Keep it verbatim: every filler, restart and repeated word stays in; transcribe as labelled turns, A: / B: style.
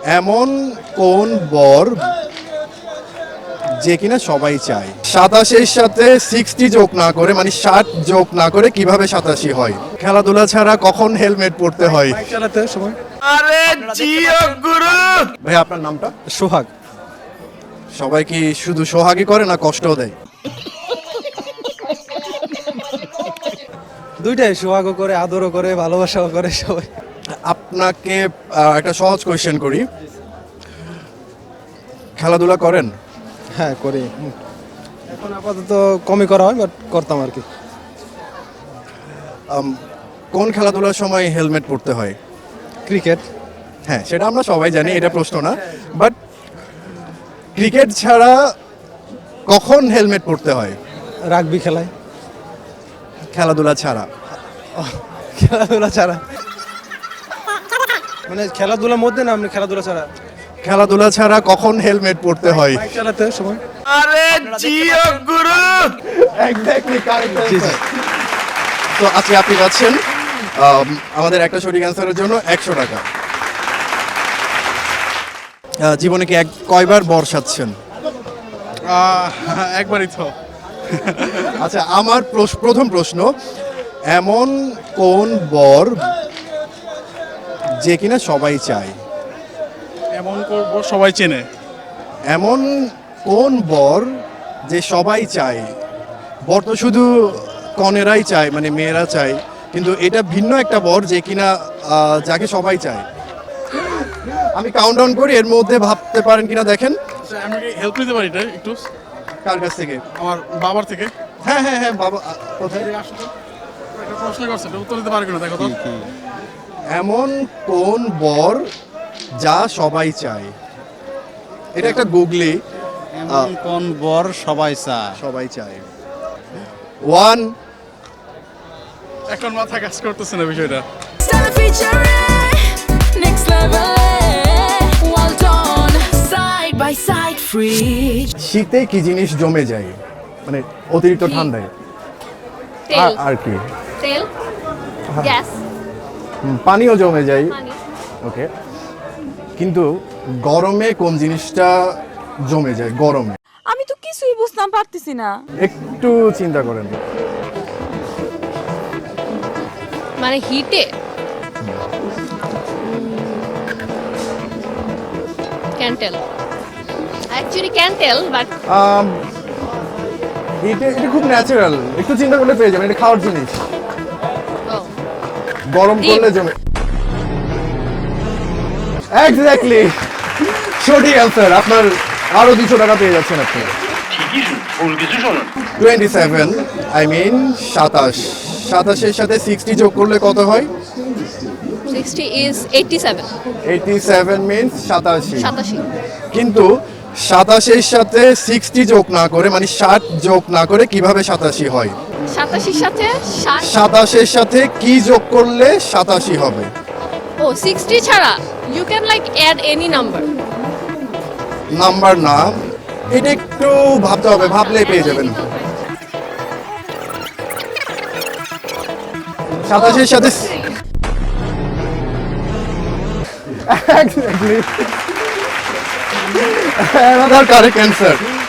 A: এমন কোন বর যে কিনা সবাই চায়? সাতাশের সাথে সিক্সটি যোগ না করে মানে ষাট যোগ না করে কিভাবে সাতাশি হয়? খেলাধুলা ছাড়া কখন হেলমেট পরতে হয়?
B: চালাতে সময়।
C: আরে জিও গুরু।
A: ভাই আপনার নামটা?
B: সোহাগ।
A: সবাই কি শুধু সোহাগই করে না কষ্টও দেয়?
B: দুইটাই, সোহাগও করে, আদরও করে, ভালোবাসাও করে সবাই।
A: আপনাকে আহ, একটা সহজ কোয়েশ্চেন করি, খেলাধুলা করেন?
B: হ্যাঁ করি। এখন আপাতত কমই করা হয়, বাট করতাম আর কি।
A: আম, কোন খেলাধুলার সময় হেলমেট পরতে হয়?
B: ক্রিকেট।
A: হ্যাঁ সেটা আমরা সবাই জানি, এটা প্রশ্ন না, বাট ক্রিকেট ছাড়া কখন হেলমেট পরতে হয়?
B: রাগবি খেলায়।
A: খেলাধুলা ছাড়া?
B: খেলাধুলা ছাড়া মানে খেলাধুলার মধ্যে না, আপনি খেলাধুলা ছাড়া?
A: খেলাধুলা ছাড়া কখন হেলমেট পরতে হয়?
B: বাইক চালাতে সময়।
C: আরে জিও গুরু।
A: এক্স্যাক্টলি কারেক্ট
B: জি, জি।
A: তো আজকে আপনি পাচ্ছেন আম, আমাদের একটা সঠিক অ্যান্সারের জন্য একশো টাকা। আহ, জীবনে কি এক কয়বার বর্ষাচ্ছেন?
D: একবারই তো।
A: আচ্ছা আমার প্রশ- প্রথম প্রশ্ন, এমন কোন বর যে কিনা সবাই চায়?
D: এমন করব সবাই চেনে।
A: এমন কোন বর যে সবাই চায়? বর তো শুধু কনেরাই চায়, মানে মেয়েরা চায়, কিন্তু এটা ভিন্ন একটা বর যে কিনা আহ, যাকে সবাই চায়। আমি কাউন্টডাউন করি, এর মধ্যে ভাবতে পারেন কিনা দেখেন।
D: আচ্ছা, আমি কি হেল্প নিতে পারি এটা একটু
A: কার কাছ থেকে?
D: আমার বাবার থেকে?
A: হ্যাঁ হ্যাঁ হ্যাঁ বাবা আ, কোথায়?
D: আসলে একটা প্রশ্ন করছে, এটা উত্তর দিতে পারবে না, দেখো তো।
A: এমন কোন বর যা সবাই চায়? এটা একটা গুগলি,
E: এমন কোন বর সবাই চায়?
A: সবাই চায়। ওয়ান,
D: এখন মাথা কাজ করতেছে না বিষয়টা।
F: Stella featuring next level. Well done, side by side, free.
A: শীতে কি জিনিস জমে যায়, মানে অতিরিক্ত
G: কি?
A: ঠান্ডায়?
G: তেল
A: আর- আর কি?
G: তেল গ্যাস
A: হুম, পানিও জমে যায়।
G: পানি
A: ওকে, কিন্তু গরমে কোন জিনিসটা জমে যায়? গরমে
H: আমি তো কিছুই বুঝতাম পারতেছি না।
A: একটু চিন্তা করেন।
G: মানে হিটে ক্যান্টেল অ্যাকচুয়ালি ক্যান্টেল বাট
A: আম, এটা এটা খুব ন্যাচারাল, একটু চিন্তা করলে পেয়ে যাবেন, এটা খাওয়ার জিনিস। গরম
G: ডিম।
A: করলে জমে। এক্স্যাক্টলি সঠিক অ্যান্সার। আপনার আরো দুশো টাকা পেয়ে যাচ্ছেন আপনি। টোয়েন্টি সেভেন আই মিন সাতাশ। সাতাশের সাথে সিক্সটি যোগ করলে কত হয়?
G: Sixty is eighty seven
A: eighty seven means সাতাশি।
G: সাতাশি
A: কিন্তু সাতাশের সাথে সিক্সটি যোগ না করে মানে ষাট যোগ না করে কিভাবে সাতাশি হয়?
G: সাতাশির সাথে ষাট
A: সাতাশের সাথে কি যোগ করলে সাতাশি হবে?
G: ও সিক্সটি ছাড়া you can like add any number
A: number না, এটা একটু ভাবতে হবে, ভাবলেই পেয়ে যাবেন। সাতাশের সাথে Exactly. Another correct answer.